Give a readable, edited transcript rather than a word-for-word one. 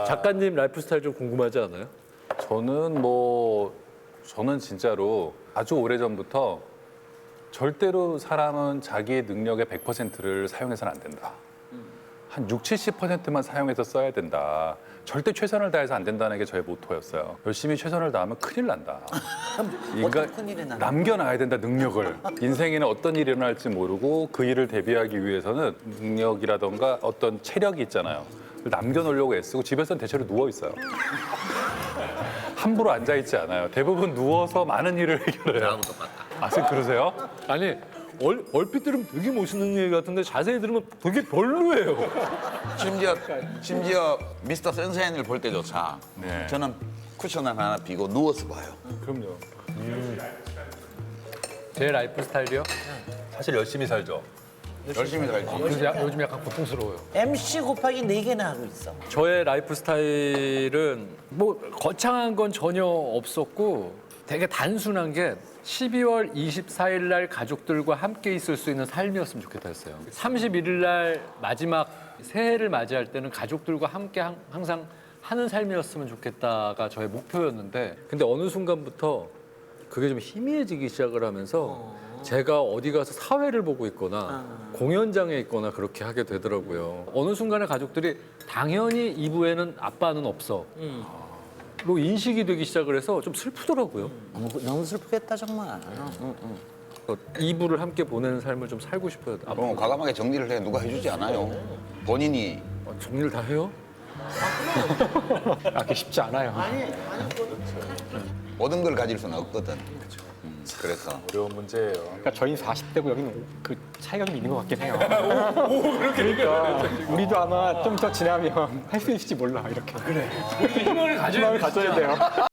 작가님 라이프 스타일 좀 궁금하지 않아요? 저는 진짜로 아주 오래전부터 절대로 사람은 자기의 능력의 100%를 사용해서는 안 된다. 한 60, 70%만 사용해서 써야 된다. 절대 최선을 다해서 안 된다는 게 저의 모토였어요. 열심히 최선을 다하면 큰일 난다. 어떤 큰일이 나나? 남겨놔야 된다, 능력을. 인생에는 어떤 일이 일어날지 모르고 그 일을 대비하기 위해서는 능력이라던가 어떤 체력이 있잖아요. 그걸 남겨놓으려고 애쓰고 집에서는 대체로 누워 있어요. 함부로 앉아있지 않아요. 대부분 누워서 많은 일을 해결해요. 나하고 똑같다. 아, 선생님 그러세요? 아니 얼핏 들으면 되게 멋있는 얘기 같은데 자세히 들으면 되게 별로예요. 심지어 미스터 선샤인을 볼 때조차 네. 저는 쿠션 하나 비고 누워서 봐요. 그럼요. 제 라이프 스타일이요? 사실 열심히 살죠. 열심히 살지. 요즘 약간 고통스러워요. MC 곱하기 4개나 하고 있어. 저의 라이프 스타일은 뭐 거창한 건 전혀 없었고 되게 단순한 게 12월 24일 날 가족들과 함께 있을 수 있는 삶이었으면 좋겠다 했어요. 31일 날 마지막 새해를 맞이할 때는 가족들과 함께 항상 하는 삶이었으면 좋겠다가 저의 목표였는데 근데 어느 순간부터 그게 좀 희미해지기 시작을 하면서 제가 어디 가서 사회를 보고 있거나 공연장에 있거나 그렇게 하게 되더라고요. 어느 순간에 가족들이 당연히 이부에는 아빠는 없어. 로 인식이 되기 시작을 해서 좀 슬프더라고요. 너무 슬프겠다 정말. 이부를 함께 보내는 삶을 좀 살고 싶어요. 그럼 과감하게 정리를 해. 누가 해주지 않아요. 본인이. 정리를 다 해요? 그게 쉽지 않아요. 모든 걸 가질 수는 없거든. 그래서 어려운 문제예요. 그러니까 저희는 40대고 여기는 그 차이가 좀 있는 것 같긴 해요. 그러니까 우리도 아마 좀 더 지나면 할 수 있을지 몰라 이렇게. 희망을 가져야 희망을 가져야 돼요.